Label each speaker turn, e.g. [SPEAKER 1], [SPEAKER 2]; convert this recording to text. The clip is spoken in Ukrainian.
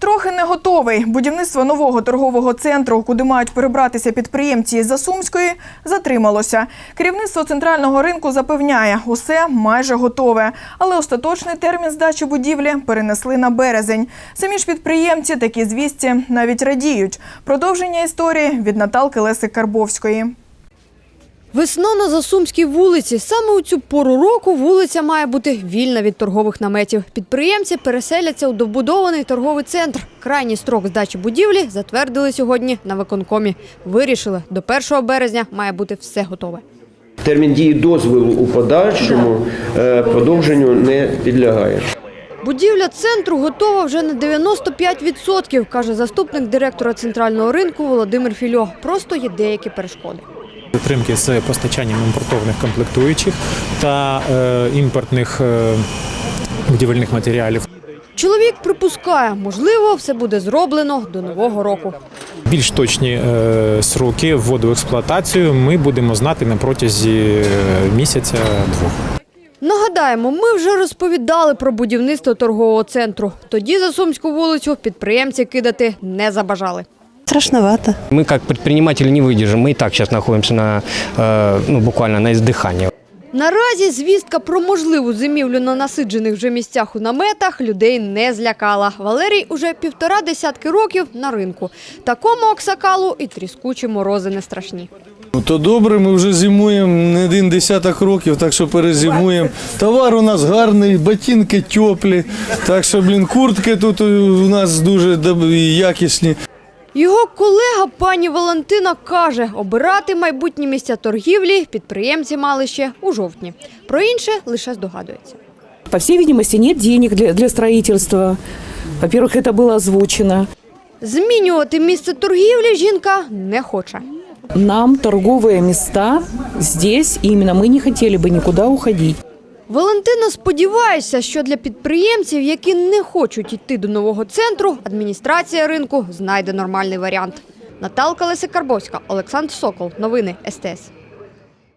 [SPEAKER 1] Трохи не готовий. Будівництво нового торгового центру, куди мають перебратися підприємці із Засумської, затрималося. Керівництво центрального ринку запевняє, усе майже готове. Але остаточний термін здачі будівлі перенесли на березень. Самі ж підприємці такі звісті навіть радіють. Продовження історії від Наталки Лесик-Карбовської.
[SPEAKER 2] Весна на Засумській вулиці. Саме у цю пору року вулиця має бути вільна від торгових наметів. Підприємці переселяться у добудований торговий центр. Крайній строк здачі будівлі затвердили сьогодні на виконкомі. Вирішили, до 1 березня має бути все готове.
[SPEAKER 3] Термін дії дозволу у подальшому продовженню не підлягає.
[SPEAKER 2] Будівля центру готова вже на 95%, каже заступник директора центрального ринку Володимир Фільо. Просто є деякі перешкоди.
[SPEAKER 4] Затримки з постачанням імпортованих комплектуючих та імпортних будівельних матеріалів.
[SPEAKER 2] Чоловік припускає, можливо, все буде зроблено до Нового року.
[SPEAKER 4] Більш точні сроки вводу в експлуатацію ми будемо знати на протязі місяця-двох.
[SPEAKER 2] Нагадаємо, ми вже розповідали про будівництво торгового центру. Тоді Засумську вулицю підприємці кидати не забажали.
[SPEAKER 5] Страшновато.
[SPEAKER 6] Мы как предприниматели не выдержим. Мы и так сейчас находимся буквально на издыхании.
[SPEAKER 2] Наразі звістка про можливу зимівлю на насиджених вже місцях у наметах людей не злякала. Валерій уже 1,5 десятки років на ринку. Такому аксакалу і тріскучі морози не страшні.
[SPEAKER 7] То добре, ми вже зимуємо не 1 десяток років, так що перезимуємо. Товар у нас гарний, ботинки теплі, так що, куртки тут у нас дуже якісні.
[SPEAKER 2] Його колега пані Валентина каже, обирати майбутні місця торгівлі підприємці мали ще у жовтні. Про інше лише здогадується.
[SPEAKER 5] По всей видимости, нет денег для строительства. Во-первых, это было озвучено.
[SPEAKER 2] Змінювати місце торгівлі жінка не хоче.
[SPEAKER 5] Нам торговые места здесь, и именно мы не хотели бы никуда уходить.
[SPEAKER 2] Валентина сподівається, що для підприємців, які не хочуть йти до нового центру, адміністрація ринку знайде нормальний варіант. Наталка Лесик-Карбовська, Олександр Сокол. Новини СТС.